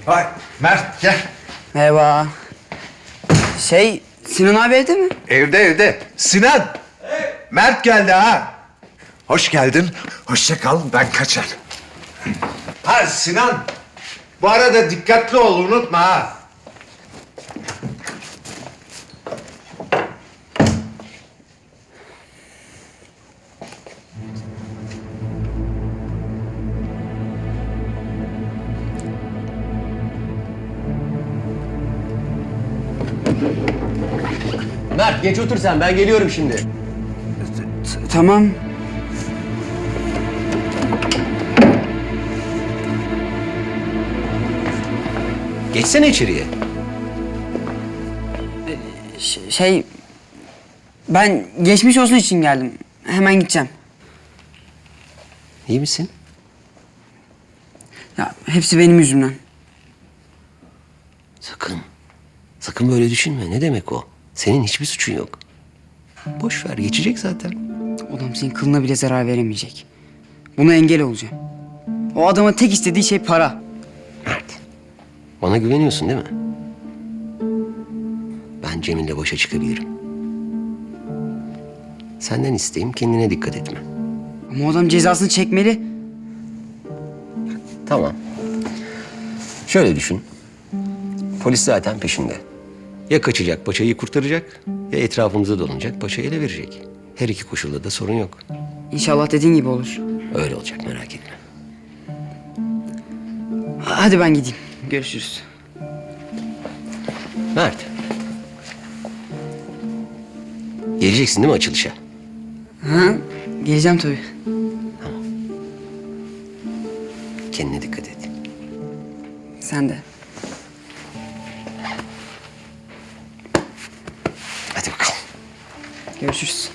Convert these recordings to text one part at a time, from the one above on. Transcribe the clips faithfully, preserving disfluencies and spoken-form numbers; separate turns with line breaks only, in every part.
Vay Mert gel.
Merhaba. Şey, Sinan abi evde mi?
Evde evde. Sinan. Mert geldi ha. Hoş geldin. Hoşça kal, ben kaçar. Ha Sinan. Bu arada dikkatli ol, unutma ha.
Mert geç otur sen, ben geliyorum şimdi.
T- tamam.
Geçsene içeriye.
Ş- şey, ben geçmiş olsun için geldim. Hemen gideceğim.
İyi misin?
Ya hepsi benim yüzümden.
Sakın. Sakın böyle düşünme. Ne demek o? Senin hiçbir suçun yok. Boş ver, geçecek zaten.
Adam senin kılına bile zarar veremeyecek. Buna engel olacağım. O adamın tek istediği şey para.
Mert, bana güveniyorsun değil mi? Ben Cemil'le başa çıkabilirim. Senden isteğim kendine dikkat etme.
Ama o adam cezasını çekmeli.
Tamam. Şöyle düşün. Polis zaten peşinde. Ya kaçacak, paçayı kurtaracak, ya etrafımıza dolanacak, paçayı ele verecek. Her iki koşulda da sorun yok.
İnşallah dediğin gibi olur.
Öyle olacak, merak etme.
Hadi ben gideyim. Görüşürüz.
Mert. Geleceksin değil mi açılışa?
Ha, geleceğim tabii.
Kendine dikkat et.
Sen de.
Hadi bakalım.
Görüşürüz.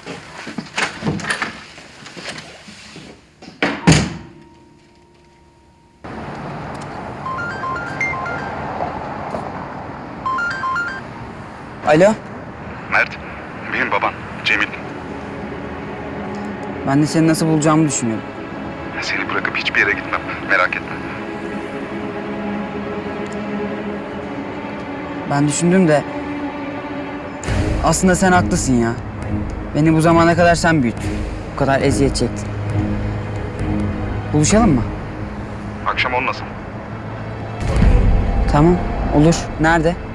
Alo,
Mert, benim baban Cemil.
ben de seni nasıl bulacağımı düşünüyorum.
Seni bırakıp hiçbir yere gitmem, merak etme.
Ben düşündüm de aslında sen haklısın ya. Beni bu zamana kadar sen büyüttün. Bu kadar eziyet çektin. Buluşalım mı?
Akşam olmasın.
Tamam, olur. Nerede?